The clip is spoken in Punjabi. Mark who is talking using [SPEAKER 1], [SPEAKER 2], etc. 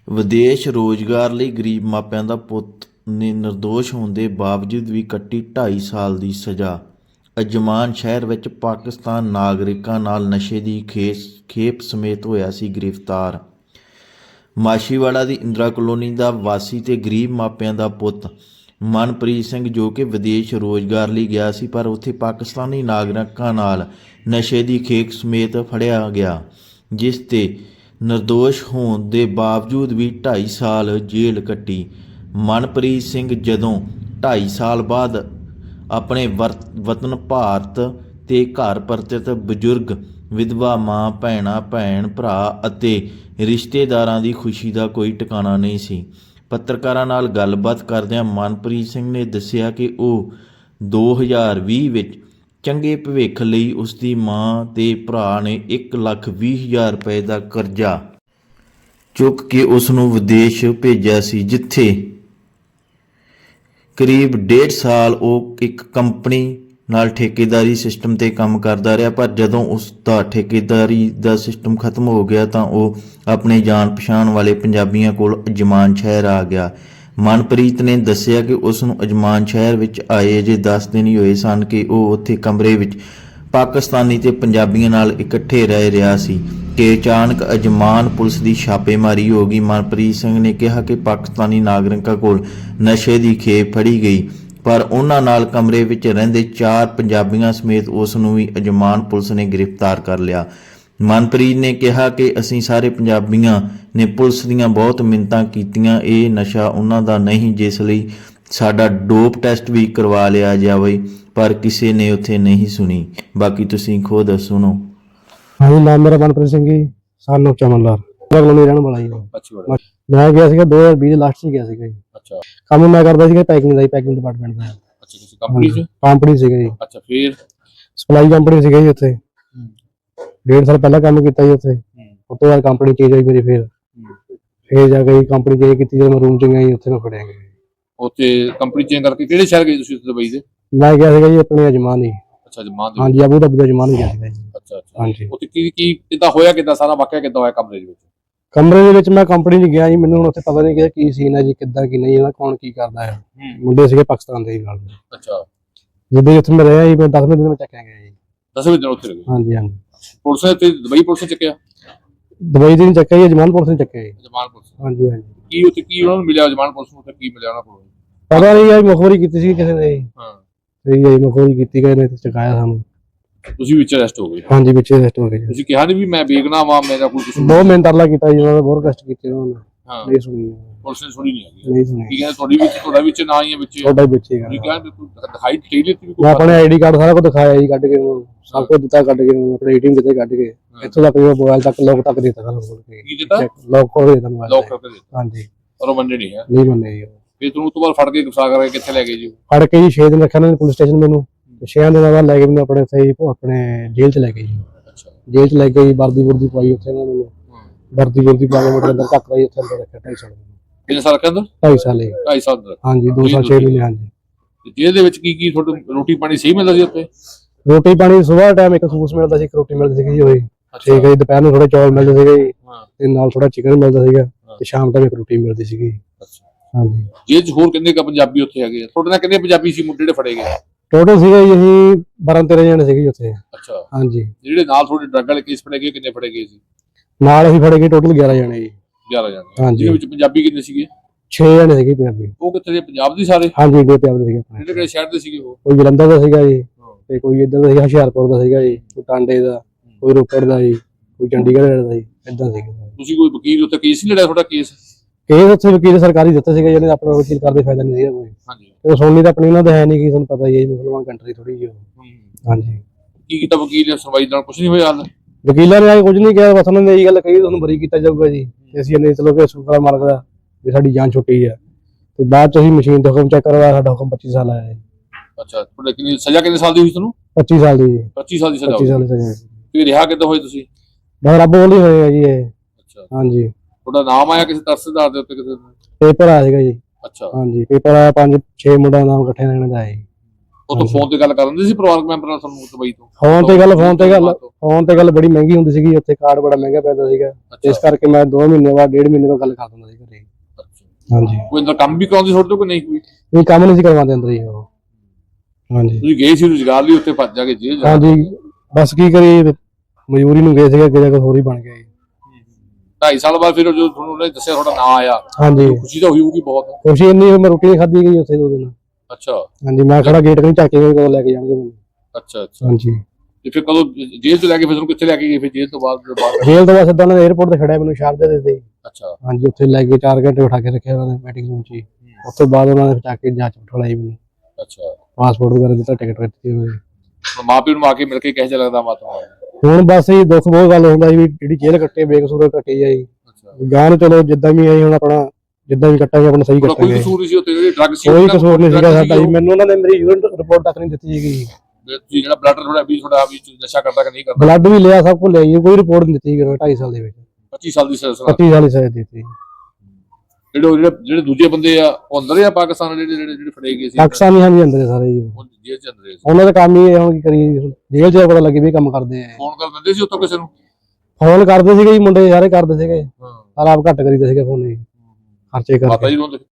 [SPEAKER 1] ਵਿਦੇਸ਼ ਰੁਜ਼ਗਾਰ ਲਈ ਗਰੀਬ ਮਾਪਿਆਂ ਦਾ ਪੁੱਤ ਨੇ ਨਿਰਦੋਸ਼ ਹੋਣ ਦੇ ਬਾਵਜੂਦ ਵੀ ਕੱਟੀ 2.5 ਸਾਲ ਦੀ ਸਜ਼ਾ। ਅਜਮਾਨ ਸ਼ਹਿਰ ਵਿੱਚ ਪਾਕਿਸਤਾਨ ਨਾਗਰਿਕਾਂ ਨਾਲ ਨਸ਼ੇ ਦੀ ਖੇਪ ਸਮੇਤ ਹੋਇਆ ਸੀ ਗ੍ਰਿਫਤਾਰ। ਮਾਛੀਵਾੜਾ ਦੀ ਇੰਦਰਾ ਕਲੋਨੀ ਦਾ ਵਾਸੀ ਤੇ ਗਰੀਬ ਮਾਪਿਆਂ ਦਾ ਪੁੱਤ ਮਨਪ੍ਰੀਤ ਸਿੰਘ, ਜੋ ਕਿ ਵਿਦੇਸ਼ ਰੁਜ਼ਗਾਰ ਲਈ ਗਿਆ ਸੀ, ਪਰ ਉੱਥੇ ਪਾਕਿਸਤਾਨੀ ਨਾਗਰਿਕਾਂ ਨਾਲ ਨਸ਼ੇ ਦੀ ਖੇਪ ਸਮੇਤ ਫੜਿਆ ਗਿਆ, ਜਿਸ ਤੇ ਨਿਰਦੋਸ਼ ਹੋਣ ਦੇ ਬਾਵਜੂਦ ਵੀ 2.5 ਸਾਲ ਜੇਲ੍ਹ ਕੱਟੀ। ਮਨਪ੍ਰੀਤ ਸਿੰਘ ਜਦੋਂ 2.5 ਸਾਲ ਬਾਅਦ ਆਪਣੇ ਵਤਨ ਭਾਰਤ ਤੇ ਘਰ ਪਰਤਿਤ, ਬਜ਼ੁਰਗ, ਵਿਧਵਾ ਮਾਂ, ਭੈਣ ਭਰਾ ਅਤੇ ਰਿਸ਼ਤੇਦਾਰਾਂ ਦੀ ਖੁਸ਼ੀ ਦਾ ਕੋਈ ਟਿਕਾਣਾ ਨਹੀਂ ਸੀ। ਪੱਤਰਕਾਰਾਂ ਨਾਲ ਗੱਲਬਾਤ ਕਰਦਿਆਂ ਮਨਪ੍ਰੀਤ ਸਿੰਘ ਨੇ ਦੱਸਿਆ ਕਿ ਉਹ 2020 ਵਿੱਚ ਚੰਗੇ ਭਵਿੱਖ ਲਈ ਉਸ ਦੀ ਮਾਂ ਤੇ ਭਰਾ ਨੇ 1,20,000 ਰੁਪਏ ਦਾ ਕਰਜ਼ਾ ਚੁੱਕ ਕੇ ਉਸ ਨੂੰ ਵਿਦੇਸ਼ ਭੇਜਿਆ ਸੀ, ਜਿੱਥੇ ਕਰੀਬ 1.5 ਸਾਲ ਉਹ ਇੱਕ ਕੰਪਨੀ ਨਾਲ ਠੇਕੇਦਾਰੀ ਸਿਸਟਮ 'ਤੇ ਕੰਮ ਕਰਦਾ ਰਿਹਾ। ਪਰ ਜਦੋਂ ਉਸ ਦਾ ਠੇਕੇਦਾਰੀ ਦਾ ਸਿਸਟਮ ਖਤਮ ਹੋ ਗਿਆ ਤਾਂ ਉਹ ਆਪਣੇ ਜਾਣ ਪਛਾਣ ਵਾਲੇ ਪੰਜਾਬੀਆਂ ਕੋਲ ਅਜਮਾਨ ਸ਼ਹਿਰ ਆ ਗਿਆ। ਮਨਪ੍ਰੀਤ ਨੇ ਦੱਸਿਆ ਕਿ ਉਸ ਨੂੰ ਅਜਮਾਨ ਸ਼ਹਿਰ ਵਿੱਚ ਆਏ ਅਜੇ 10 ਦਿਨ ਹੀ ਹੋਏ ਸਨ ਕਿ ਉਹ ਉੱਥੇ ਕਮਰੇ ਵਿੱਚ ਪਾਕਿਸਤਾਨੀ ਤੇ ਪੰਜਾਬੀਆਂ ਨਾਲ ਇਕੱਠੇ ਰਹਿ ਰਿਹਾ ਸੀ ਕਿ ਅਚਾਨਕ ਅਜਮਾਨ ਪੁਲਿਸ ਦੀ ਛਾਪੇਮਾਰੀ ਹੋ ਗਈ। ਮਨਪ੍ਰੀਤ ਸਿੰਘ ਨੇ ਕਿਹਾ ਕਿ ਪਾਕਿਸਤਾਨੀ ਨਾਗਰਿਕਾਂ ਕੋਲ ਨਸ਼ੇ ਦੀ ਖੇਪ ਫੜੀ ਗਈ, ਪਰ ਉਹਨਾਂ ਨਾਲ ਕਮਰੇ ਵਿੱਚ ਰਹਿੰਦੇ 4 ਪੰਜਾਬੀਆਂ ਸਮੇਤ ਉਸ ਨੂੰ ਵੀ ਅਜਮਾਨ ਪੁਲਿਸ ਨੇ ਗ੍ਰਿਫਤਾਰ ਕਰ ਲਿਆ। ਮਨਪ੍ਰੀਤ ਨੇ ਕਿਹਾ ਕਿ ਅਸੀਂ ਸਾਰੇ ਪੰਜਾਬੀਆਂ ਨੇ ਪੁਲਿਸ ਦੀਆਂ ਬਹੁਤ ਮਿੰਨਤਾਂ ਕੀਤੀਆਂ, ਇਹ ਨਸ਼ਾ ਉਹਨਾਂ ਦਾ ਨਹੀਂ, ਜਿਸ ਲਈ ਸਾਡਾ ਡੋਪ ਟੈਸਟ ਵੀ ਕਰਵਾ ਲਿਆ ਜਾਵੇ, ਪਰ ਕਿਸੇ ਨੇ ਉੱਥੇ ਨਹੀਂ ਸੁਣੀ। ਬਾਕੀ ਤੁਸੀਂ ਖੁਦ ਸੁਣੋ।
[SPEAKER 2] ਹਾਂਜੀ, ਨਾਮ ਮੇਰਾ ਮਨਪ੍ਰੀਤ ਸਿੰਘ ਜੀ, ਸਾਨੂੰ ਚਮਨਲਾਲ ਕਲੋਨੀ ਰਹਿਣ ਵਾਲਾ ਜੀ। ਮੈਂ ਗਿਆ ਸੀਗਾ 2020 ਦੇ ਲਾਸਟ 'ਚ ਗਿਆ ਸੀਗਾ ਜੀ।
[SPEAKER 3] ਅੱਛਾ,
[SPEAKER 2] ਕੰਮ ਮੈਂ ਕਰਦਾ ਸੀਗਾ ਪੈਕਿੰਗ ਦਾ, ਪੈਕਿੰਗ ਡਿਪਾਰਟਮੈਂਟ ਦਾ।
[SPEAKER 3] ਅੱਛਾ, ਕਿਸੇ
[SPEAKER 2] ਕੰਪਨੀ ਸੀਗਾ ਜੀ।
[SPEAKER 3] ਅੱਛਾ, ਫਿਰ
[SPEAKER 2] ਸਪਲਾਈ ਕੰਪਨੀ ਸੀਗਾ ਜੀ ਉੱਥੇ। 1.5 ਸਾਲ ਪਹਿਲਾਂ ਕੰਮ ਕੀਤਾ ਜੀ ਉੱਥੇ। ਉਸ ਤੋਂ ਬਾਅਦ ਕੰਪਨੀ ਚੇਂਜ ਹੋਈ ਮੇਰੀ, ਫਿਰ ਜਾ ਕੇ ਕੰਪਨੀ ਚੇਂਜ ਕੀਤੀ, ਜਦੋਂ ਮੈਂ ਰੂਮ 'ਚ ਗਿਆ ਜੀ, ਉੱਥੇ ਮੈਂ ਫੜਿਆ ਗਿਆ।
[SPEAKER 3] ਉੱਥੇ ਕੰਪਨੀ ਚੇਂਜ ਕਰਕੇ ਕਿਹੜੇ ਸ਼ਹਿਰ ਗਏ ਤੁਸੀਂ ਦੁਬਈ ਦੇ?
[SPEAKER 2] ਮੈਂ ਗਿਆ ਸੀਗਾ ਜੀ ਆਪਣੇ ਅਜਮਾਨ ਹੀ।
[SPEAKER 3] ਅੱਛਾ, ਅਜਮਾਨ ਦੇ।
[SPEAKER 2] ਹਾਂਜੀ, ਅਬੂ ਧਾਬੀ ਦਾ ਅਜਮਾਨ ਗਿਆ ਸੀਗਾ ਜੀ।
[SPEAKER 3] ਅੱਛਾ,
[SPEAKER 2] ਹਾਂਜੀ।
[SPEAKER 3] ਉੱਥੇ ਕੀ ਕਿੱਦਾਂ ਹੋਇਆ, ਕਿੱਦਾਂ ਸਾਰਾ ਵਾਕਿਆ ਕਿੱਦਾਂ ਹੋਇਆ ਕਮਰੇ ਦੇ ਵਿੱਚ?
[SPEAKER 2] ਕਮਰੇ ਦੇ ਵਿੱਚ ਮੈਂ ਕੰਪਨੀ 'ਚ ਗਿਆ ਜੀ, ਮੈਨੂੰ ਹੁਣ ਉੱਥੇ ਪਤਾ ਨਹੀਂ ਕਿ ਕੀ ਸੀਨ ਹੈ ਜੀ, ਕਿੱਦਾਂ ਕੀ ਨਹੀਂ, ਇਹਦਾ ਕੌਣ ਕੀ ਕਰਦਾ ਹੈ। ਮੁੰਡੇ ਸੀਗੇ ਪਾਕਿਸਤਾਨ ਦੇ ਨਾਲ।
[SPEAKER 3] ਅੱਛਾ,
[SPEAKER 2] ਜਿੱਦਾਂ ਉੱਥੇ ਮੈਂ ਰਿਹਾ ਜੀ, ਮੈਂ 10ਵੇਂ ਦਿਨ ਮੈਂ ਚੱਕਿਆ ਗਿਆ ਜੀ।
[SPEAKER 3] 10ਵੇਂ ਦਿਨ ਉੱਥੇ ਰਹੇ?
[SPEAKER 2] ਹਾਂਜੀ ਹਾਂਜੀ।
[SPEAKER 3] ਪੁਲਿਸ ਨੇ ਤੇ ਦੁਬਈ ਪੁਲਿਸ ਨੇ ਚੱਕਿਆ?
[SPEAKER 2] ਦੁਬਈ ਦੇ ਨਹੀਂ ਚੱਕਿਆ ਜੀ, ਅਜਮਾਨ ਪੁਲਿਸ ਨੇ ਚੱਕਿਆ ਜੀ।
[SPEAKER 3] Ajman police?
[SPEAKER 2] ਹਾਂਜੀ ਹਾਂਜੀ।
[SPEAKER 3] ਕੀ ਉੱਥੇ ਕੀ ਉਹਨਾਂ ਨੂੰ ਮਿਲਿਆ ਅਜਮਾਨ ਪੁਲਿਸ ਨੂੰ, ਉੱਥੇ ਕੀ ਮਿਲਿਆ ਉਹਨਾਂ ਕੋਲ?
[SPEAKER 2] ਪਤਾ ਨਹੀਂ ਯਾਰ, ਮੁਖਬਰੀ ਕੀਤੀ ਸੀ ਕਿਸੇ ਨੇ ਜੀ।
[SPEAKER 3] ਹਾਂ,
[SPEAKER 2] ਸਹੀ ਹੈ ਜੀ, ਮੁਖਬਰੀ ਕੀਤੀ ਗਏ ਨੇ ਤੇ ਚਕਾਇਆ ਸਾਨੂੰ।
[SPEAKER 3] ਤੁਸੀਂ ਵਿੱਚ ਅਰੈਸਟ ਹੋ ਗਏ?
[SPEAKER 2] ਹਾਂਜੀ, ਵਿੱਚ ਅਰੈਸਟ ਹੋ ਗਏ ਜੀ।
[SPEAKER 3] ਤੁਸੀਂ ਕਿਹਾ ਨਹੀਂ ਵੀ ਮੈਂ ਬੇਗੁਨਾਹ ਵਾਂ, ਮੇਰਾ ਕੋਈ ਕਸੂਰ?
[SPEAKER 2] ਬਹੁਤ ਮਿਹਨਤ ਤਰਲਾ ਕੀਤਾ ਜੀ ਉਹਨਾਂ ਨੇ, ਬਹੁਤ ਕਸ਼ਟ ਕੀਤੇ ਉਹਨਾਂ ਨੇ।
[SPEAKER 3] ਹਾਂ,
[SPEAKER 2] ਨਹੀਂ ਸੁਣੀ,
[SPEAKER 3] ਪੁਲਿਸ ਨੇ ਸੁਣੀ ਨਹੀਂ ਹੈਗੀ।
[SPEAKER 2] ਨਹੀਂ ਸੁਣੀ।
[SPEAKER 3] ਕੀ ਕਹਿੰਦੇ ਤੁਹਾਡਾ ਵਿੱਚ ਨਾ ਹੀ ਹੈ ਵਿੱਚ?
[SPEAKER 2] ਤੁਹਾਡਾ ਹੀ ਵਿੱਚ ਹੀ
[SPEAKER 3] ਤੁਸੀਂ ਕਿਹਾ ਬਿਲਕੁਲ ਦਿਖਾਈ ਦੇ ਦਿੱਤੀ ਵੀ
[SPEAKER 2] ਮੈਂ ਆਪਣੇ ਆਈਡੀ ਕਾਰਡ ਸਾਰਾ ਕੁਝ ਦਿਖਾਇਆ ਜੀ, ਕੱਢ ਕੇ ਉਹਨੂੰ ਸਭ ਕੁਝ ਦਿੱਤਾ, ਕੱਢ ਕੇ ਆਪਣੇ ਏਟੀਐਮ ਦਿੱਤੇ, ਕੱਢ ਕੇ ਇੱਥੋਂ ਤੱਕ ਮੋਬਾਈਲ ਤੱਕ ਲੋਕ ਤੱਕ ਦਿੱਤਾ ਸਾਨੂੰ ਖੋਲ ਕੇ।
[SPEAKER 3] ਕੀ ਦਿੱਤਾ?
[SPEAKER 2] ਲੋਕ ਖੋਲ ਕੇ ਦਿੱਤਾ ਮੋਬਾਈਲ।
[SPEAKER 3] ਲੋਕ ਕਰਕੇ ਦਿੱਤਾ?
[SPEAKER 2] ਹਾਂਜੀ।
[SPEAKER 3] ਪਰ ਉਹ ਮੰਨੇ ਨਹੀਂ ਹੈ?
[SPEAKER 2] ਨਹੀਂ ਮੰਨੇ ਜੀ।
[SPEAKER 3] ਫਿਰ ਤੁਹਾਨੂੰ ਉਸ ਤੋਂ ਬਾਅਦ ਫੜ ਕੇ ਗੁੱਸਾ ਕਰਕੇ ਕਿੱਥੇ ਲੈ ਗਏ ਜੀ?
[SPEAKER 2] ਫੜ ਕੇ ਜੀ 6 ਦਿਨ ਰੱਖਿਆ ਉਹਨਾਂ ਨੇ ਪੁਲਿਸ ਸਟੇਸ਼ਨ ਮੈਨੂੰ। 6 ਦਿਨਾਂ ਬਾਅਦ ਲੈ ਕੇ ਮੈਨੂੰ ਆਪਣੇ ਸਹੀ ਆਪਣੇ ਜੇਲ੍ਹ 'ਚ ਲੈ ਗਏ ਜੀ।
[SPEAKER 3] ਅੱਛਾ,
[SPEAKER 2] ਜੇਲ੍ਹ 'ਚ ਲੈ ਕੇ ਜੀ ਵਰਦੀ ਪਾਈ ਉੱਥੇ ਉਹਨਾਂ ਨੇ ਮੈਨੂੰ। ਵਰਦੀ ਪਾ ਕੇ ਮੇਰੇ ਅੰਦਰ ਧੱਕ ਪਾਈ, ਉੱਥੇ ਅੰਦਰ ਰੱਖਿਆ 2.5 ਸਾਲ।
[SPEAKER 3] ਕਿੰਨੇ ਸਾਲ ਕਹਿੰਦਾ?
[SPEAKER 2] 2.5 ਸਾਲ ਜੀ।
[SPEAKER 3] 2.5 ਸਾਲ ਦਾ?
[SPEAKER 2] ਹਾਂਜੀ, 2 ਸਾਲ 6 ਮਹੀਨੇ। ਹਾਂਜੀ।
[SPEAKER 3] ਜੇਲ੍ਹ ਦੇ ਵਿੱਚ ਕੀ ਤੁਹਾਨੂੰ ਰੋਟੀ ਪਾਣੀ ਸਹੀ ਮਿਲਦਾ ਸੀ ਉੱਥੇ?
[SPEAKER 2] ਰੋਟੀ ਪਾਣੀ ਸਵੇਰ ਟਾਈਮ ਇੱਕ ਖੂਸ ਮਿਲਦਾ ਸੀ, ਇੱਕ ਰੋਟੀ ਮਿਲਦੀ ਸੀਗੀ ਹੋਈ। ਠੀਕ ਹੈ ਜੀ। ਦੁਪਹਿਰ ਨੂੰ ਥੋੜਾ ਚੌਲ ਮਿਲਦੇ ਸੀਗੇ ਜੀ, ਤੇ ਨਾਲ ਥੋੜਾ ਚਿਕਨ ਮਿਲਦਾ ਸੀਗਾ, ਤੇ ਸ਼ਾਮ ਟਾਈਮ ਇੱਕ ਰੋਟੀ ਮਿਲਦੀ ਸੀਗੀ।
[SPEAKER 3] ਅੱਛਾ।
[SPEAKER 2] ਹਾਂਜੀ।
[SPEAKER 3] ਜੇਲ੍ਹ 'ਚ ਹੋਰ ਕਿੰਨੇ ਪੰਜਾਬੀ ਉੱਥੇ ਹੈਗੇ? ਤੁਹਾਡੇ ਨਾਲ ਕਿੰਨੇ ਪੰਜਾਬੀ ਸੀ ਮੁੰਡੇ ਜਿਹੜੇ ਫੜੇ ਗਏ?
[SPEAKER 2] ਟੋਟਲ ਸੀਗਾ ਜੀ ਅਸੀਂ 12-13 ਜਣੇ ਸੀਗੇ ਉੱਥੇ।
[SPEAKER 3] ਅੱਛਾ।
[SPEAKER 2] ਹਾਂਜੀ।
[SPEAKER 3] ਜਿਹੜੇ ਨਾਲ ਤੁਹਾਡੇ ਡਰੱਗ ਵਾਲੇ ਕੇਸ ਫੜੇ ਗਏ, ਕਿੰਨੇ ਫੜੇ ਗਏ ਸੀ?
[SPEAKER 2] ਨਾਲ ਅਸੀਂ ਫੜੇ ਗਏ ਟੋਟਲ 11 ਜਣੇ ਜੀ।
[SPEAKER 3] 11 ਜਣੇ?
[SPEAKER 2] ਹਾਂਜੀ।
[SPEAKER 3] ਜਿਹਦੇ ਵਿੱਚ ਪੰਜਾਬੀ ਕਿੰਨੇ ਸੀਗੇ?
[SPEAKER 2] 6 ਜਣੇ ਸੀਗੇ ਪੰਜਾਬੀ।
[SPEAKER 3] ਉਹ ਕਿੱਥੇ ਦੇ? ਪੰਜਾਬ ਦੇ ਸਾਰੇ?
[SPEAKER 2] ਹਾਂਜੀ, ਦੋ ਪੰਜਾਬ ਦੇ ਸੀਗੇ ਆਪਣੇ।
[SPEAKER 3] ਕਿਹੜੇ ਸ਼ਹਿਰ ਦੇ ਸੀਗੇ ਉਹ?
[SPEAKER 2] ਕੋਈ ਜਲੰਧਰ ਦਾ ਸੀਗਾ ਜੀ, ਤੇ ਕੋਈ ਇੱਧਰ ਦਾ ਸੀਗਾ ਹੁਸ਼ਿਆਰਪੁਰ ਦਾ ਸੀਗਾ ਜੀ, ਕੋਈ ਟਾਂਡੇ ਦਾ, ਕੋਈ ਰੋਪੜ ਦਾ ਜੀ, ਕੋਈ ਚੰਡੀਗੜ੍ਹ ਦਾ ਜੀ, ਏਦਾਂ ਸੀਗਾ।
[SPEAKER 3] ਤੁਸੀਂ ਕੋਈ ਵਕੀਲ ਉੱਥੇ ਕੇਸ ਨਹੀਂ ਲੜਿਆ ਤੁਹਾਡਾ? ਕੇਸ
[SPEAKER 2] ਉੱਥੇ ਵਕੀਲ ਸਰਕਾਰੀ ਦਿੱਤੇ ਸੀਗੇ, ਜਿਹਨੇ ਆਪਣਾ ਵਕੀਲ ਕਰਦੇ ਫਾਇਦਾ ਨਹੀਂ ਸੀਗਾ ਕੋਈ।
[SPEAKER 3] ਹਾਂਜੀ।
[SPEAKER 2] ਉਹ ਸੁਣਨੀ ਤਾਂ ਆਪਣੀ ਉਹਨਾਂ ਦੇ ਹੈ ਨਹੀਂ, ਕਿ ਤੁਹਾਨੂੰ ਪਤਾ ਹੀ ਹੈ ਮੁਸਲਮਾਨ ਕੰਟਰੀ ਥੋੜੀ ਜਿਹੀ। ਹਾਂਜੀ।
[SPEAKER 3] ਕੀ ਕੀਤਾ ਵਕੀਲ ਨੇ? ਸੁਣਵਾਈ ਨਾਲ ਕੁਝ ਨਹੀਂ ਹੋਇਆ ਹਾਲ?
[SPEAKER 2] ਵਕੀਲਾਂ ਨੇ ਕੁਝ ਨਹੀਂ ਕਿਹਾ, ਬਸ ਉਹਨਾਂ ਨੇ ਇਹੀ ਗੱਲ ਕਹੀ ਤੁਹਾਨੂੰ ਬਰੀ ਕੀਤਾ ਜਾਊਗਾ ਜੀ। ਅਸੀਂ ਇਹਨੇ ਚਲੋ ਕਿ ਸ਼ੁਕਰ ਮਾਲਕ ਦਾ ਵੀ ਸਾਡੀ ਜਾਨ ਛੁੱਟੀ ਹੈ। ਤੇ ਬਾਅਦ ਚ ਅਸੀਂ ਮਸ਼ੀਨ ਤੋਂ ਹੁਕਮ ਚੈੱਕ ਕਰਵਾਇਆ, ਸਾਡਾ ਹੁਕਮ 25 ਸਾਲ ਆਇਆ ਜੀ।
[SPEAKER 3] ਅੱਛਾ, ਤੁਹਾਡੇ ਕਿੰਨੀ ਸਜ਼ਾ ਕਿੰਨੇ ਸਾਲ ਦੀ ਹੋਈ ਤੁਹਾਨੂੰ?
[SPEAKER 2] 25 ਸਾਲ ਦੀ ਜੀ।
[SPEAKER 3] 25 ਸਾਲ ਦੀ ਸਜ਼ਾ?
[SPEAKER 2] 25 ਸਾਲ ਦੀ ਸਜ਼ਾ।
[SPEAKER 3] ਫਿਰ ਰਿਹਾ ਕਿੱਦਾਂ ਹੋਏ ਤੁਸੀਂ?
[SPEAKER 2] ਬਸ ਰੱਬ ਵੱਲੋਂ ਹੀ ਹੋਏ ਆ ਜੀ ਇਹ।
[SPEAKER 3] ਅੱਛਾ।
[SPEAKER 2] ਹਾਂਜੀ।
[SPEAKER 3] ਤੁਹਾਡਾ ਨਾਮ ਆਇਆ ਕਿਸੇ ਤਰਸਦਾਰ ਦੇ ਉੱਤੇ ਕਿਸੇ?
[SPEAKER 2] ਪੇਪਰ ਆਇਆ ਸੀਗਾ ਜੀ।
[SPEAKER 3] ਅੱਛਾ।
[SPEAKER 2] ਹਾਂਜੀ, ਪੇਪਰ ਆਇਆ, 5-6 ਮੁੰਡਾ ਨਾਮ ਇਕੱਠੇ ਰਹਿਣ ਦਾ ਹੈ ਜੀ।
[SPEAKER 3] ਉਹ ਤੋਂ ਫੋਨ ਤੇ ਗੱਲ ਕਰ ਲੈਂਦੇ ਸੀ ਪਰਿਵਾਰਕ ਮੈਂਬਰ ਨਾਲ ਤੁਹਾਨੂੰ ਦੁਬਈ ਤੋਂ?
[SPEAKER 2] ਫੋਨ ਤੇ ਗੱਲ ਬੜੀ ਮਹਿੰਗੀ ਹੁੰਦੀ ਸੀਗੀ ਉੱਥੇ, ਕਾਰਡ ਬੜਾ ਮਹਿੰਗਾ ਪੈਂਦਾ ਸੀਗਾ, ਇਸ ਕਰਕੇ ਮੈਂ 2 ਮਹੀਨੇ ਬਾਅਦ 1.5 ਮਹੀਨੇ ਬਾਅਦ ਗੱਲ ਕਰ ਦਿੰਦਾ ਸੀ ਘਰੇ। ਹਾਂਜੀ।
[SPEAKER 3] ਕੋਈ ਅੰਦਰ ਕੰਮ ਵੀ ਕਰਾਉਂਦੇ ਛੋੜ ਦਿਓ ਕਿ ਨਹੀਂ? ਕੋਈ
[SPEAKER 2] ਇਹ ਕੰਮ ਨਹੀਂ ਸੀ ਕਰਵਾਉਂਦੇ ਅੰਦਰ ਹੀ ਉਹ। ਹਾਂਜੀ।
[SPEAKER 3] ਤੁਸੀਂ ਗਏ ਸੀ ਰੁਜ਼ਗਾਰ ਲਈ ਉੱਥੇ ਫਸ ਜਾ ਕੇ ਜੇਲ੍ਹ?
[SPEAKER 2] ਹਾਂਜੀ, ਬਸ ਕੀ ਕਰੀਏ, ਮਜਬੂਰੀ ਨੂੰ ਗਏ ਸੀਗੇ, ਅੱਗੇ ਜਾ ਕੇ ਹੋਰ ਹੀ ਬਣ ਗਿਆ।
[SPEAKER 3] 2.5 ਸਾਲ ਬਾਅਦ ਫਿਰ ਜਦੋਂ ਤੁਹਾਨੂੰ ਉਹਨੇ ਦੱਸਿਆ ਤੁਹਾਡਾ ਨਾਂ ਆਇਆ,
[SPEAKER 2] ਹਾਂਜੀ,
[SPEAKER 3] ਖੁਸ਼ੀ ਤਾਂ ਹੋਈ ਹੋਊਗੀ ਬਹੁਤ?
[SPEAKER 2] ਖੁਸ਼ੀ ਇੰਨੀ, ਮੈਂ ਰੋਟੀ ਨਹੀਂ ਖਾਧੀ ਗਈ ਉੱਥੇ 2 ਦਿਨ।
[SPEAKER 3] ਅੱਛਾ।
[SPEAKER 2] ਹਾਂਜੀ, ਮੈਂ ਖੜਾ ਗੇਟ ਨਹੀਂ ਚੱਕ ਕੇ ਕਦੋਂ ਲੈ ਕੇ ਜਾਣਗੇ ਮੈਨੂੰ।
[SPEAKER 3] ਅੱਛਾ ਅੱਛਾ।
[SPEAKER 2] ਹਾਂਜੀ।
[SPEAKER 3] ਤੇ ਫਿਰ ਕਦੋਂ ਜੇਲ੍ਹ ਤੋਂ ਲੈ ਕੇ ਫਿਰ ਤੁਹਾਨੂੰ ਕਿੱਥੇ ਲੈ ਕੇ ਗਏ ਫਿਰ ਜੇਲ੍ਹ ਤੋਂ ਬਾਅਦ?
[SPEAKER 2] ਜੇਲ੍ਹ ਤੋਂ ਬਾਅਦ ਸਿੱਧਾ ਉਹਨਾਂ ਨੇ 에어ਪੋਰਟ ਤੇ ਖੜਿਆ ਮੈਨੂੰ, ਸ਼ਾਰਜਾ ਦੇ ਦਿੱਤੇ।
[SPEAKER 3] ਅੱਛਾ।
[SPEAKER 2] ਹਾਂਜੀ, ਉੱਥੇ ਲੈ ਕੇ 4 ਘੰਟੇ ਬਿਠਾ ਕੇ ਰੱਖਿਆ ਉਹਨਾਂ ਨੇ ਮੀਟਿੰਗ ਰੂਮ 'ਚ ਹੀ। ਉਸ ਤੋਂ ਬਾਅਦ ਉਹਨਾਂ ਨੇ ਚੱਕ ਕੇ ਜਾਂਚ ਬਿਠਾਈ ਮੈਨੂੰ।
[SPEAKER 3] ਅੱਛਾ।
[SPEAKER 2] ਪਾਸਪੋਰਟ ਵਗੈਰਾ ਦਿੱਤਾ, ਟਿਕਟ ਦਿੱਤੀ ਹੋਈ।
[SPEAKER 3] ਮਾਂ ਪਿਓ ਨੂੰ ਆ ਕੇ ਮਿਲ ਕੇ ਕਿਹੋ ਜਿਹਾ ਲੱਗਦਾ ਮਾਤਾ?
[SPEAKER 2] ਹੁਣ ਬਸ ਇਹ ਦੁੱਖ ਬਹੁਤ ਗੱਲ ਹੁੰਦਾ ਸੀ ਵੀ ਜਿਹੜੀ ਜੇਲ੍ਹ ਕੱਟੇ ਬੇਕਸੂਰ ਕੱਟੀ ਜਾਈ। ਗਾਂ ਚਲੋ ਜਿੱਦਾਂ ਵੀ ਆਈ, ਹੁਣ ਆਪਣਾ ਜਿੱਦਾਂ ਵੀ ਕੱਟਾਂਗੇ ਆਪਣਾ ਸਹੀ ਕੱਟਾਂਗੇ।
[SPEAKER 3] ਕੋਈ ਕਸੂਰ ਨਹੀਂ ਸੀ ਉੱਥੇ? ਜਿਹੜੀ ਡਰੱਗ ਸੀ
[SPEAKER 2] ਕੋਈ ਕਸੂਰ ਨਹੀਂ ਸੀਗਾ ਸਾਡਾ ਜੀ। ਮੈਨੂੰ ਉਹਨਾਂ ਨੇ ਮੇਰੀ ਯੂਰਿਨ ਰਿਪੋਰਟ ਤੱਕ ਨਹੀਂ ਦਿੱਤੀ ਸੀਗੀ।
[SPEAKER 3] ਤੁਸੀਂ ਜਿਹੜਾ ਬਲੱਡ ਤੁਹਾਡਾ ਵੀ ਨਸ਼ਾ ਕਰਦਾ ਕਿ ਨਹੀਂ ਕਰਦਾ?
[SPEAKER 2] ਬਲੱਡ ਵੀ ਲਿਆ, ਸਭ ਕੁਝ ਲਿਆ ਜੀ, ਕੋਈ ਰਿਪੋਰਟ ਨਹੀਂ ਦਿੱਤੀ 2.5 ਸਾਲ ਦੇ ਵਿੱਚ।
[SPEAKER 3] 25 ਸਾਲ ਦੀ ਸਜ਼ਾ?
[SPEAKER 2] 25 ਸਾਲ ਦੀ ਸਜ਼ਾ ਦਿੱਤੀ।
[SPEAKER 3] ਜਿਹੜੇ ਦੂਜੇ ਬੰਦੇ ਆ ਉਹ ਅੰਦਰ ਆ ਪਾਕਿਸਤਾਨ, ਜਿਹੜੇ ਫੜੇ ਗਏ ਸੀ
[SPEAKER 2] ਪਾਕਿਸਤਾਨੀ? ਹਾਂਜੀ, ਅੰਦਰ ਸਾਰੇ ਜੀ।
[SPEAKER 3] ਉਹ ਜੇਲ੍ਹ ਚ ਅੰਦਰ ਸੀ?
[SPEAKER 2] ਉਹਨਾਂ ਦਾ ਕੰਮ ਹੀ ਇਹ ਹੁਣ ਕੀ ਕਰੀਏ, ਜੇਲ੍ਹ 'ਚ ਪਤਾ ਲੱਗੇ ਵੀ ਕੰਮ ਕਰਦੇ ਆ।
[SPEAKER 3] ਫੋਨ ਕਰ ਦਿੰਦੇ ਸੀ ਉੱਥੋਂ ਕਿਸੇ ਨੂੰ?
[SPEAKER 2] ਫੋਨ ਕਰਦੇ ਸੀਗੇ ਜੀ, ਮੁੰਡੇ ਸਾਰੇ ਕਰਦੇ ਸੀਗੇ, ਪਰ ਆਪ ਘੱਟ ਕਰੀਦੇ ਸੀਗੇ ਫੋਨ ਜੀ, ਖਰਚੇ ਕਰਕੇ।